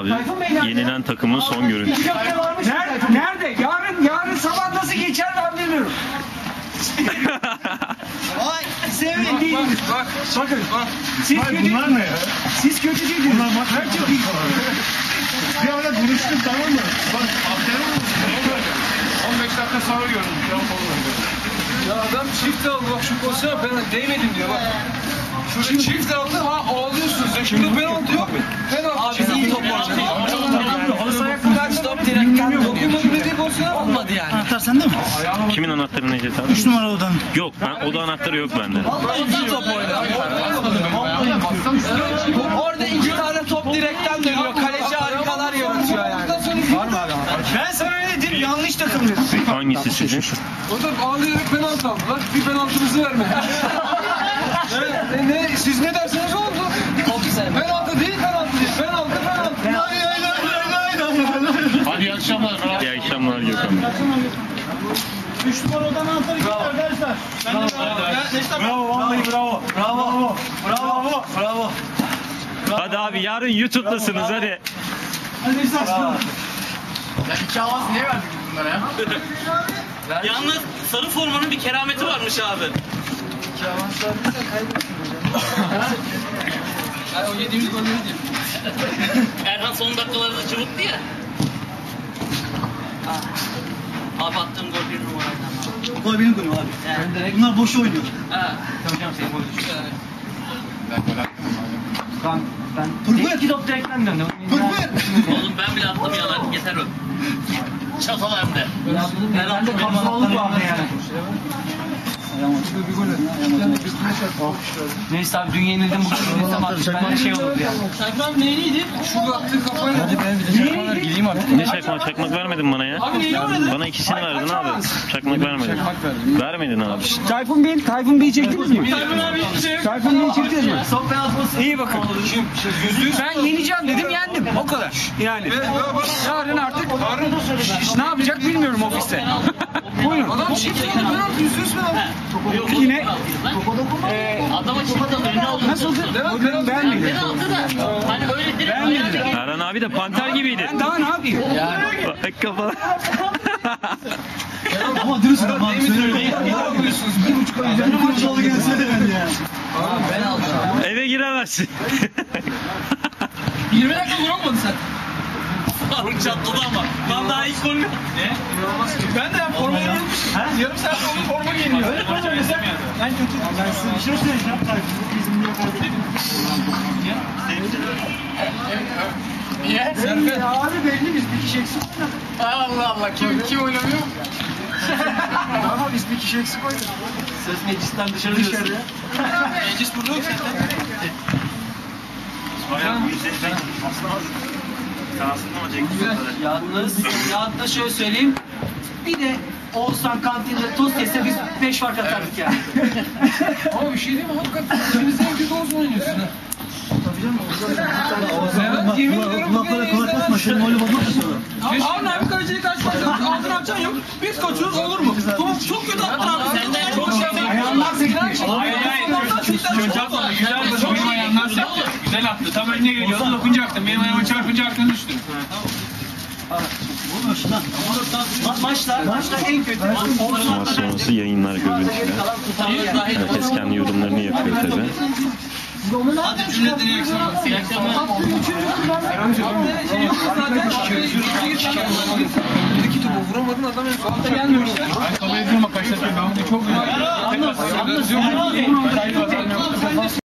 Abi yenilen takımın son görüntüsü. Nerede? Yarın sabah nasıl geçer ben bilmiyorum. Ay sevin değiliz. Bakın. Siz kötü. Bunlar ne ya? Siz kötü değildiniz. Bunlar bak. Ben çok iyi. Bir ara konuştuk tamam mı? Bak aferin olsun. 15 dakika sonra gördüm. Ya adam çift aldı bak şu pozisyona ben değmedim diyor bak. Şu çift aldı ağlıyorsunuz ya. Şimdi penaltı yok. Penaltı. Abi iyi top oynadı. Kaç top direkten Dokunmadı dediği pozisyona bak. olmadı yani. Anahtar sende mi? Kimin anahtarı Necdet abi? 3 numara odan. Yok, ben oda anahtarı yok bende. İyi top oynadı. Orada 2 tane top direkten dönüyor. Kaleci harikalar yaratıyor yani. Var mı abi? Ben sana ne dedim? Yanlış takım dedim. Hangisi sizin? Orada ağlayarak penaltı aldılar. Bir penaltımızı vermedi. Siz ne derseniz oldu. Top sevmedi. Penaltı değil. Penaltı. Hadi iyi akşamlar. İyi akşamlar Gökhan Bey. 3 numara odan anahtarı gitti arkadaşlar. Bravo vallahi bravo. Bravo. Hadi abi yarın YouTube'dasınız hadi. Hadi İsa. Yalnız sarı formanın bir kerameti varmış abi. O yediğimiz golleri değil. Erhan son dakikalarda çabuktu ya. Abi attığım gol 1 numaraydı. Gol benim golüm abi. Yani. Bunlar boş oynuyor. Ha. Ben Pırpır. 2 top direkten döndüm. Pırpır. Oğlum ben bile attım yalan. Yeter o. Çatal hem de. Ben de kamalık vardı yani. Neyse abi dün yenildim bugün yenilsem artık bende şey olurdu yani. Sayfam neyliydi? Şurada attığı kafayla. Hadi ben bir de çakmalar gideyim artık. Ne çakmak vermedin bana ya. Bana ikisini verdin abi. Çakmak vermedin. Vermedin abi. Tayfun Bey'i çektiniz mi? Tayfun Bey'i çektiniz mi? Son penaltı. İyi bakın. Ben yeneceğim dedim yendim. O kadar. Yani. Yarın artık ne yapacak bilmiyorum ofiste. Buyurun. Adam çift aldı penaltı. Yüzüyoruz penaltı. Yine Adama çıktı önüne aldı. nasıldı? Bugün beğenmedim. Penaltı da. Hani öyle direkt Beğenmedim. Erhan abi de panter gibiydi. Ben daha ne yapayım? Bak kafa. Ama dürüst adam abi. Ne yapıyorsunuz? 1,5 ay üzerine Maç oldu gelsene ben ya. ben aldım. Eve giremezsin. 20 dakika vuramadı sen. Faruk çatladı ama. Ben daha ilk golü. Ne? Ben de forma giymişim. Yarım saat sonra forma giyiniyor. Öyle falan mesela. Ben kötü. Ben size bir şey söyleyeceğim. Bizim yok artık. Niye? Belli abi belli biz bir kişi eksik oynadık. Allah Allah. Kim oynamıyor? Ama biz bir kişi eksik oynadık. Söz meclisten dışarı diyorsun. Meclis burada yok zaten. Yalnız da şöyle söyleyeyim. Bir de Oğuzhan kantinde tost yese biz 5 fark atardık yani. Ama bir şey değil mi? Hakikaten ikiniz en kötü olsun oynuyorsun ha. Serhat yemin ediyorum bugün Kulak şimdi öyle bakmak istiyorum. Harun abi kaleciyi kaç maç aldın atacaksın yok. Biz kaçıyoruz olur mu? Çok kötü attın abi. Senden Çok şey. Ayağından sekti. Benim ayağımdan sekti. Güzel attı. Tam önüne geliyordu. Dokunacaktım. Benim ayağıma çarpınca aklına düştü. Maçlar en kötü. Maç sonrası yayınlar görüntüler. Herkes kendi yorumlarını yapıyor tabi. Hadi cümleden iyi akşamlar. İyi akşamlar. Buradaki topu vuramadın adam en sonunda gelmiyor. Ben kabul ediyorum bak kaç dakika. Ben bunu çok